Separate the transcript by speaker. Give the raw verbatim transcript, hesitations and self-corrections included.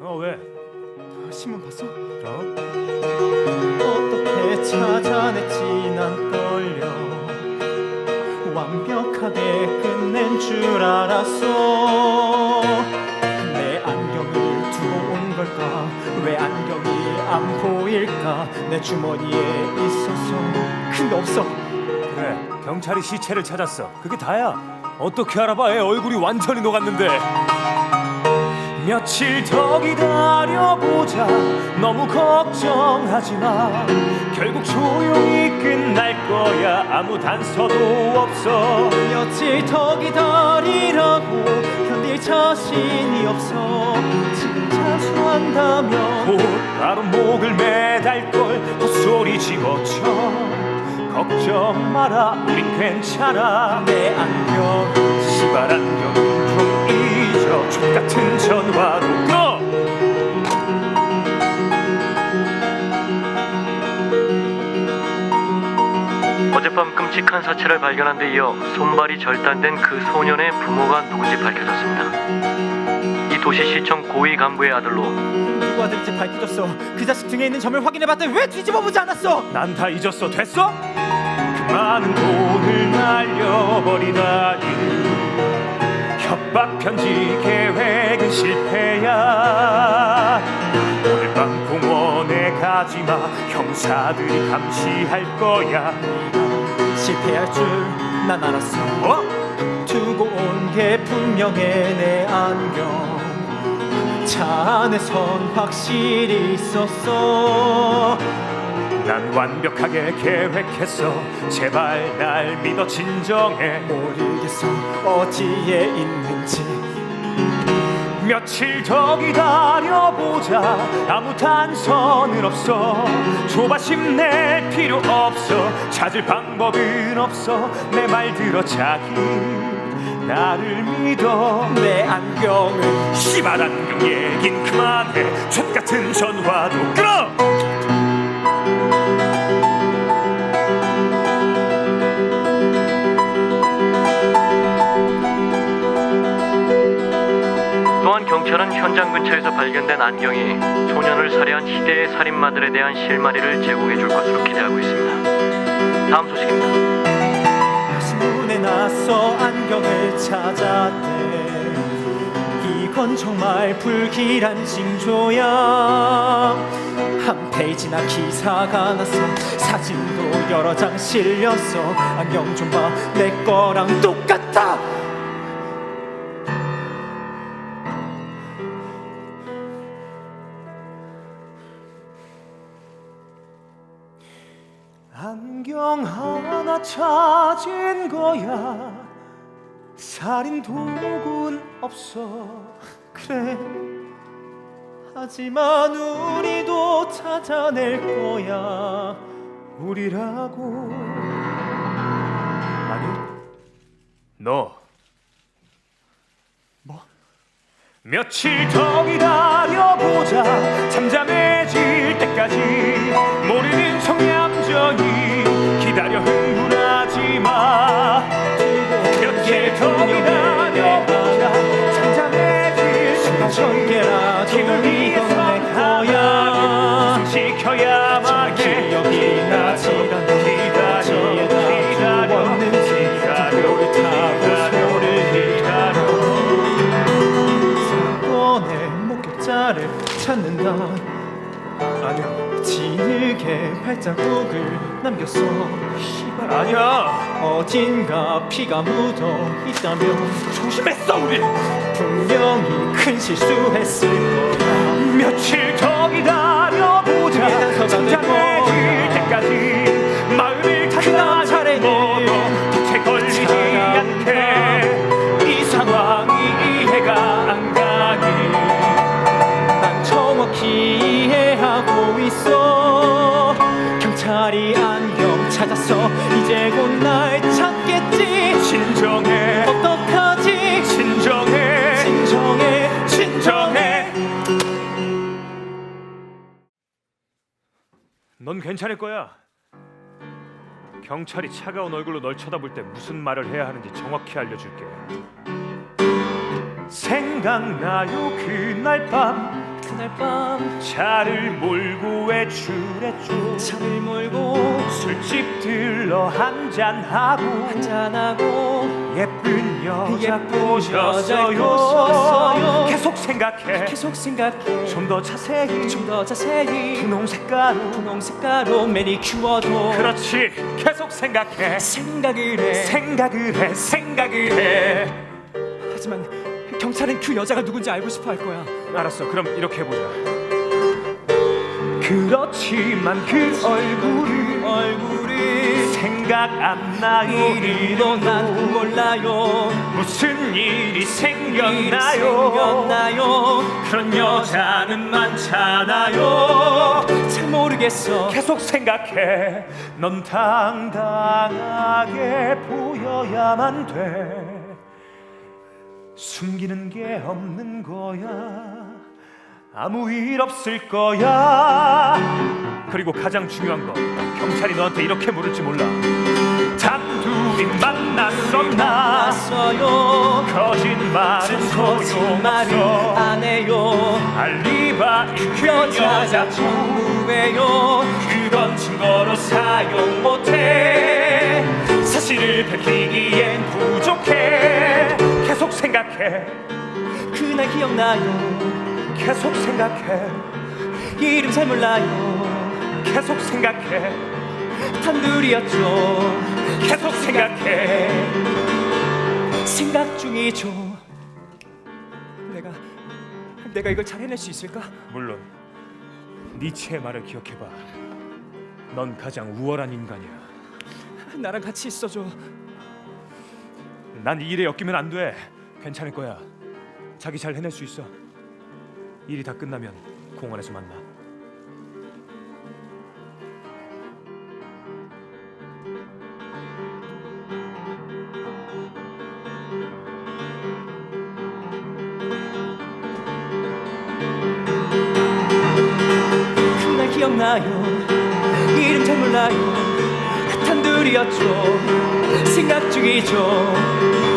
Speaker 1: 어 왜?
Speaker 2: 신문 봤어?
Speaker 1: 어?
Speaker 2: 어떻게 찾아냈지 난 떨려 완벽하게 끝낸 줄 알았어 내 안경을 두고 온 걸까 왜 안경이 안 보일까 내 주머니에 있었어 근데 없어
Speaker 1: 그래 경찰이 시체를 찾았어. 그게 다야. 어떻게 알아봐? 애 얼굴이 완전히 녹았는데. 며칠 더 기다려보자. 너무 걱정하지 마. 결국 조용히 끝날 거야. 아무 단서도 없어.
Speaker 2: 며칠 더 기다리라고 견딜 자신이 없어 지금 자수한다면
Speaker 1: 곧 바로 목을 매달걸. 헛소리 집어쳐. 걱정 마라 우린 괜찮아.
Speaker 2: 내 안경
Speaker 1: 시발 안경 좀 잊어. 족같은 전화도 끊어.
Speaker 3: 어젯밤 끔찍한 사체를 발견한 데 이어 손발이 절단된 그 소년의 부모가 누군지 밝혀졌습니다. 이 도시시청 고위 간부의 아들로
Speaker 2: 누구 아들인지 밝혀졌어 그 자식 등에 있는 점을 확인해봤더니 왜 뒤집어보지 않았어
Speaker 1: 난 다 잊었어. 됐어? 그 많은 돈을 날려버리다니. 협박 편지 계획은 실패야. 오늘 밤 공원에 가지마. 형사들이 감시할 거야.
Speaker 2: 실패할 줄 난 알았어
Speaker 1: 어?
Speaker 2: 두고 온 게 분명해 내 안경 차 안에선 확실히 있었어
Speaker 1: 난 완벽하게 계획했어. 제발 날 믿어. 진정해.
Speaker 2: 모르겠어 어디에 있는지
Speaker 1: 며칠 더 기다려보자. 아무 단서는 없어. 조바심 낼 필요 없어. 찾을 방법은 없어. 내 말 들어 자기. 나를 믿어.
Speaker 2: 내 안경은
Speaker 1: 씨발 안경 얘긴 그만해. 족같은 전화도 끊어.
Speaker 3: 또한 경찰은 현장 근처에서 발견된 안경이 소년을 살해한 희대의 살인마들에 대한 실마리를 제공해 줄 것으로 기대하고 있습니다. 다음 소식입니다.
Speaker 2: 신문에 나서 안경을 찾았대 이건 정말 불길한 징조야 한 페이지나 기사가 났어 사진도 여러 장 실렸어 안경 좀 봐 내 거랑 똑같아
Speaker 1: 안경 하나 찾은 거야. 살인 도구는 없어.
Speaker 2: 그래 하지만 우리도 찾아낼 거야
Speaker 1: 우리라고. 아니 너
Speaker 2: 뭐?
Speaker 1: 며칠 더 기다려보자. 잠잠해질 때까지. 모르는 척 얌전히 기다려. 흥분하지 마. 며칠 더 기다려보자. 잠잠해질 때까지.
Speaker 2: 전개라도
Speaker 1: 힘을 위해서
Speaker 2: 이건 내 거야
Speaker 1: 지켜야만 해.
Speaker 2: 기억이 나질 않아
Speaker 1: 기다려
Speaker 2: 어디에다 두었는지 그거를 타고 소를 기다려 사건의 목격자를 찾는다
Speaker 1: 아니야.
Speaker 2: 진흙에 발자국을 남겼어
Speaker 1: 씨발 아니야.
Speaker 2: 어딘가 피가 묻어 있다면
Speaker 1: 조심했어 우리.
Speaker 2: 분명히 큰 실수했을 거야
Speaker 1: 며칠 더 기다려보자.
Speaker 2: 그게 단서가 될
Speaker 1: 잠잠해질
Speaker 2: 거야.
Speaker 1: 때까지. 마음을
Speaker 2: 그다음 차례는
Speaker 1: 다듬어도 빛에 걸리지 않게. 이 상황이 이해가 안 가니.
Speaker 2: 난 정확히 이해하고 있어 경찰이 안경 찾았어 이제 곧 날 찾겠지
Speaker 1: 진정해.
Speaker 2: 어떡하지
Speaker 1: 진정해.
Speaker 2: 진정해
Speaker 1: 진정해. 넌 괜찮을 거야. 경찰이 차가운 얼굴로 널 쳐다볼 때 무슨 말을 해야 하는지 정확히 알려줄게. 생각나요 그날 밤
Speaker 2: 그날 밤
Speaker 1: 차를 몰고 외출했죠.
Speaker 2: 차를 몰고
Speaker 1: 술집 들러 한잔하고
Speaker 2: 한잔하고
Speaker 1: 예쁜 여자
Speaker 2: 예쁜
Speaker 1: 꼬셨어요.
Speaker 2: 여자 꼬셨어요.
Speaker 1: 계속 생각해
Speaker 2: 계속 생각해
Speaker 1: 좀 더 자세히
Speaker 2: 좀 더 자세히
Speaker 1: 분홍 색깔로
Speaker 2: 분홍 색깔로 매니큐어도
Speaker 1: 그렇지 계속 생각해
Speaker 2: 생각을 해
Speaker 1: 생각을 해 생각을 해
Speaker 2: 하지만 경찰은 그 여자가 누군지 알고 싶어 할 거야.
Speaker 1: 알았어 그럼 이렇게 해보자 그렇지만 그 얼굴이
Speaker 2: 얼굴이
Speaker 1: 생각 안 나요
Speaker 2: 이름도 난 몰라요.
Speaker 1: 무슨 일이
Speaker 2: 일이
Speaker 1: 생겼나요
Speaker 2: 생겼나요?
Speaker 1: 그런 여자는 많잖아요
Speaker 2: 잘 모르겠어.
Speaker 1: 계속 생각해 넌 당당하게 보여야만 돼 숨기는 게 없는 거야 아무 일 없을 거야 그리고 가장 중요한 거 경찰이 너한테 이렇게 물을지 몰라 단둘이 만났었나
Speaker 2: 났어요.
Speaker 1: 거짓말은
Speaker 2: 거짓말을
Speaker 1: 소용없어
Speaker 2: 안 해요.
Speaker 1: 알리바이 그
Speaker 2: 여자가
Speaker 1: 여자
Speaker 2: 전부예요.
Speaker 1: 그건 증거로 사용 못해 사실을 밝히기엔 부족해 계속 생각해
Speaker 2: 그날 기억나요.
Speaker 1: 계속 생각해
Speaker 2: 이름 잘 몰라요.
Speaker 1: 계속 생각해
Speaker 2: 단둘이었죠.
Speaker 1: 계속 생각해
Speaker 2: 생각 중이죠. 내가 내가 이걸 잘 해낼 수 있을까?
Speaker 1: 물론 니체의 말을 기억해봐 넌 가장 우월한 인간이야
Speaker 2: 나랑 같이 있어줘.
Speaker 1: 난 이 일에 엮이면 안 돼 괜찮을 거야 자기 잘 해낼 수 있어 일이 다 끝나면 공원에서 만나
Speaker 2: 그날 기억나요. 이름 잘 몰라요. 단둘이었죠. 생각 중이죠.